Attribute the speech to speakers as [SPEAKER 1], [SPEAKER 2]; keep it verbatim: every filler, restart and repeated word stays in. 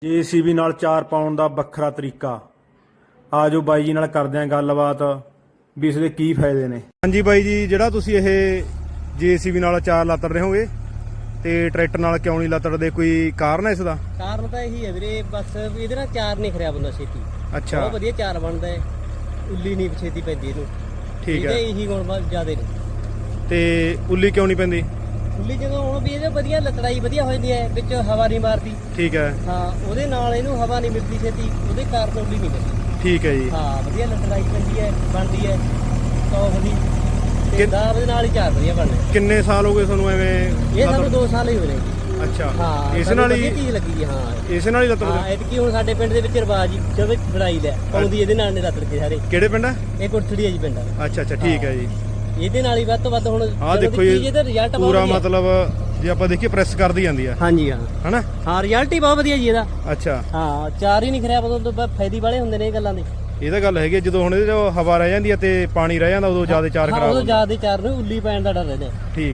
[SPEAKER 1] JCB ਨਾਲ ਚਾਰ ਪਾਉਣ ਦਾ ਵੱਖਰਾ ਤਰੀਕਾ। ਆ ਜੋ ਬਾਈ ਜੀ ਨਾਲ ਕਰਦੇ ਆਂ ਗੱਲਬਾਤ ਵੀ ਇਸ ਦੇ ਕੀ ਫਾਇਦੇ ਨੇ। ਹਾਂਜੀ ਬਾਈ ਜੀ, ਜਿਹੜਾ ਤੁਸੀਂ ਇਹ ਜੇਸੀਬੀ ਨਾਲ ਚਾਰ ਲੱਤੜ ਰਹੇ ਹੋਗੇ ਤੇ ਟਰੈਕਟਰ ਨਾਲ ਕਿਉਂ ਨਹੀਂ ਲੱਤੜਦੇ, ਕੋਈ ਕਾਰਨ ਹੈ ਇਸ ਦਾ?
[SPEAKER 2] ਕਾਰਨ ਤਾਂ ਇਹੀ ਹੈ ਵੀਰੇ, ਬਸ ਇਹਦੇ ਨਾਲ ਚਾਰ ਨਹੀਂ ਖਰਿਆ ਬੰਦਾ ਛੇਤੀ।
[SPEAKER 1] ਅੱਛਾ,
[SPEAKER 2] ਬਹੁਤ ਵਧੀਆ ਚਾਰ ਬਣਦਾ ਹੈ, ਉੱਲੀ ਨਹੀਂ ਛੇਤੀ ਪੈਂਦੀ ਇਹਨੂੰ।
[SPEAKER 1] ਠੀਕ ਹੈ।
[SPEAKER 2] ਇਹਦੇ ਇਹੀ ਗੁਣ ਬਸ ਜ਼ਿਆਦੇ ਨੇ।
[SPEAKER 1] ਤੇ ਉੱਲੀ ਕਿਉਂ ਨਹੀਂ ਪੈਂਦੀ?
[SPEAKER 2] ਉੱਲੀ ਜਦੋਂ ਹੁਣ ਵੀ ਇਹਦੇ ਵਧੀਆ ਲਤੜਾਈ ਵਧੀਆ ਹੋ ਜਾਂਦੀ ਹੈ, ਵਿੱਚ ਹਵਾ ਨਹੀਂ ਮਾਰਦੀ।
[SPEAKER 1] ਠੀਕ ਹੈ।
[SPEAKER 2] ਹਾਂ, ਉਹਦੇ ਨਾਲ ਇਹਨੂੰ ਹਵਾ ਨਹੀਂ ਮਿਲਦੀ ਛੇਤੀ, ਉਹਦੇ ਕਾਰਨ ਉੱਲੀ ਨਹੀਂ ਪੈਂਦੀ।
[SPEAKER 1] ਠੀਕ ਹੈ ਜੀ।
[SPEAKER 2] ਹਾਂ, ਵਧੀਆ ਲਤੜਾਈ ਪੈਂਦੀ ਹੈ, ਬਣਦੀ ਹੈ ਟੌਪ ਦੀ। ਤੇ ਦਾਬ ਦੇ ਨਾਲ ਹੀ ਚਾਰ ਵਧੀਆ ਬਣਦੇ।
[SPEAKER 1] ਕਿੰਨੇ ਸਾਲ ਹੋ ਗਏ ਤੁਹਾਨੂੰ ਐਵੇਂ?
[SPEAKER 2] ਇਹ ਸਾਨੂੰ ਦੋ ਸਾਲ ਹੀ ਹੋ ਰਹੇ।
[SPEAKER 1] ਅੱਛਾ,
[SPEAKER 2] ਹਾਂ,
[SPEAKER 1] ਇਸ ਨਾਲ ਹੀ
[SPEAKER 2] ਚੀਜ਼ ਲੱਗੀ ਜੀ। ਹਾਂ,
[SPEAKER 1] ਇਸ ਨਾਲ ਹੀ ਲੱਤੜ?
[SPEAKER 2] ਹਾਂ, ਐਤਕੀ ਹੁਣ ਸਾਡੇ ਪਿੰਡ ਦੇ ਵਿੱਚ ਰਿਵਾਜ ਜਦੋਂ ਬਣਾਈ ਲੈ ਪਾਉਂਦੀ ਇਹਦੇ ਨਾਲ ਨੇ ਲੱਤੜ ਕੇ ਸਾਰੇ।
[SPEAKER 1] ਕਿਹੜੇ ਪਿੰਡ ਹੈ
[SPEAKER 2] ਇਹ ਕੁਰਥੜੀ ਹੈ ਜੀ ਪਿੰਡ।
[SPEAKER 1] ਅੱਛਾ ਅੱਛਾ, ਠੀਕ ਹੈ ਜੀ।
[SPEAKER 2] ਇਹਦੇ ਨਾਲ ਹੀ ਵੱਧ ਤੋਂ ਵੱਧ ਹੁਣ
[SPEAKER 1] ਆਹ ਦੇਖੋ ਜੀ,
[SPEAKER 2] ਇਹਦਾ ਰਿਜ਼ਲਟ
[SPEAKER 1] ਪੂਰਾ ਮਤਲਬ ਜੇ ਆਪਾਂ ਦੇਖੀਏ ਪ੍ਰੈਸ ਕਰਦੀ ਜਾਂਦੀ ਆ।
[SPEAKER 2] ਹਾਂਜੀ ਹਾਂ
[SPEAKER 1] ਹਨਾ?
[SPEAKER 2] ਹਾਂ, ਰਿਜ਼ਲਟ ਹੀ ਬਹੁਤ ਵਧੀਆ ਜੀ ਇਹਦਾ।
[SPEAKER 1] ਅੱਛਾ,
[SPEAKER 2] ਹਾਂ, ਚਾਰ ਹੀ ਨਹੀਂ ਖਰਿਆ ਉਦੋਂ ਤੋਂ ਫਾਇਦੇ ਵਾਲੇ ਹੁੰਦੇ ਨੇ ਇਹ ਗੱਲਾਂ ਦੇ।
[SPEAKER 1] ਇਹ ਤਾਂ ਗੱਲ ਹੈਗੀ, ਜਦੋਂ ਹੁਣ ਇਹਦੇ ਚ ਹਵਾ ਰਹਿ ਜਾਂਦੀ ਹੈ ਤੇ ਪਾਣੀ ਰਹਿ ਜਾਂਦਾ ਉਦੋਂ ਜ਼ਿਆਦਾ ਚਾਰ
[SPEAKER 2] ਹਾਂ,
[SPEAKER 1] ਖਰਾਬ
[SPEAKER 2] ਉਦੋਂ
[SPEAKER 1] ਹੁੰਦਾ।
[SPEAKER 2] ਜ਼ਿਆਦਾ ਚਾਰ ਨੂੰ ਉੱਲੀ ਪੈਣ ਦਾ ਡਰ ਰਹਿੰਦਾ।
[SPEAKER 1] ਠੀਕ।